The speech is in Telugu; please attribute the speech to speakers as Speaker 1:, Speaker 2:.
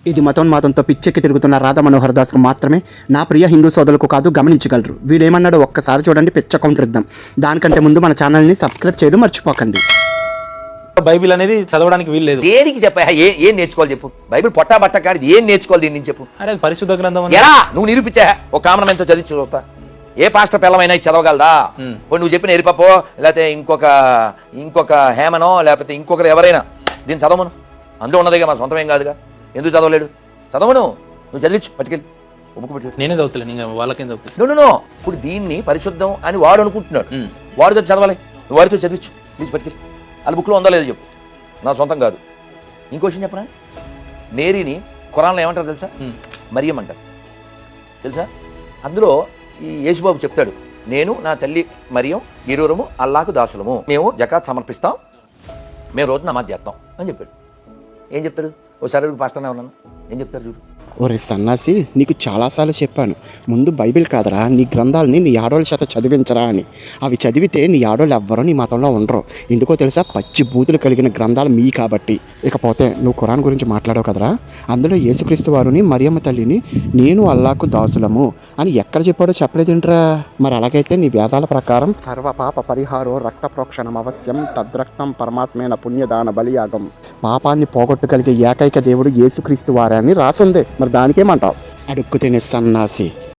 Speaker 1: ఇది మతోన్మాదంతో పిచ్చెక్కి తిరుగుతున్న రాధా మనోహర్ దాస్కు మాత్రమే, నా ప్రియ హిందూ సోదరులకు కాదు, గమనించగలరు. వీడేమన్నాడో ఒక్కసారి చూడండి, పిచ్చ కౌంటర్ ఇద్దాం. దానికంటే ముందు మన ఛానల్ని సబ్స్క్రైబ్ చేయడం మర్చిపోకండి.
Speaker 2: బైబిల్ అనేది చదవడానికి వీలు లేదు.
Speaker 3: దేనికి చెప్పా? ఏం నేర్చుకోవాలి చెప్పు? బైబిల్ పొట్టా బట్ట కాడి ఏం నేర్చుకోవాలి దీని నుంచి చెప్పు?
Speaker 2: అరే అది పరిశుద్ధ గ్రంథం అని.
Speaker 3: ఎలా నువ్వు నిరూపించా? ఒక కామనం ఎంతో చదివి చూస్తా. ఏ పాస్టర్ పిల్లమైనా చదవగలదా? నువ్వు చెప్పిన ఎరిపప్పో, లేకపోతే ఇంకొక హేమనో, లేకపోతే ఇంకొకరు ఎవరైనా దీన్ని చదవను. అందులో ఉన్నదిగా మా సొంతం ఏం కాదుగా. ఎందుకు చదవలేడు? చదవను. నువ్వు చదివించు, పట్టుకెళ్ళి ఉప్పుకు పెట్టి.
Speaker 2: నేనే చదువుతలేను, ఇంకా వాళ్ళకేం చదువుతాను.
Speaker 3: నో ఇప్పుడు దీన్ని పరిశుద్ధం అని వాడు అనుకుంటున్నాడు. వాడితో చదవాలి, నువ్వు వాడితో చదివించు, ప్లీజ్ పట్టుకెళ్ళి. వాళ్ళ బుక్లో ఉందా లేదో చెప్పు, నా సొంతం కాదు. ఇంకో విషయం చెప్పనా? నేరీని ఖురాన్లో ఏమంటారు తెలుసా? మరియం అంటారు తెలుసా? అందులో ఈ యేసుబాబు చెప్తాడు, నేను నా తల్లి మరియం ఇరువురము అల్లాకు దాసులము, మేము జకాత్ సమర్పిస్తాం, మేము రోజు నమాజ్ చేస్తాం అని చెప్పాడు. ఏం చెప్తాడు? ఓసారి పాస్టర్నే ఉన్నాను, ఏం చెప్తారు చూడు.
Speaker 1: ఒరే సన్నాసి, నీకు చాలాసార్లు చెప్పాను, ముందు బైబిల్ కాదరా, నీ గ్రంథాలని నీ ఆడోళ్ళ చేత చదివించరా అని. అవి చదివితే నీ ఆడోళ్ళు ఎవ్వరూ నీ మతంలో ఉండరు. ఎందుకో తెలుసా? పచ్చి బూతులు కలిగిన గ్రంథాలు మీ కాబట్టి. ఇకపోతే నువ్వు ఖురాన్ గురించి మాట్లాడావు కదరా, అందులో యేసుక్రీస్తు వారిని మరియమ్మ తల్లిని నేను అల్లాకు దాసులము అని ఎక్కడ చెప్పాడో చెప్పలేదేంట్రా? మరి అలాగైతే నీ వేదాల ప్రకారం సర్వపాప పరిహారో రక్త ప్రోక్షణం అవశ్యం తద్రక్తం పరమాత్మైన పుణ్యదాన బలియాగం, పాపాన్ని పోగొట్టగలిగే ఏకైక దేవుడు యేసుక్రీస్తు వారే అని రాసుంది. మరి దానికేమంటావు? అడుక్కు తినే సన్నాసి.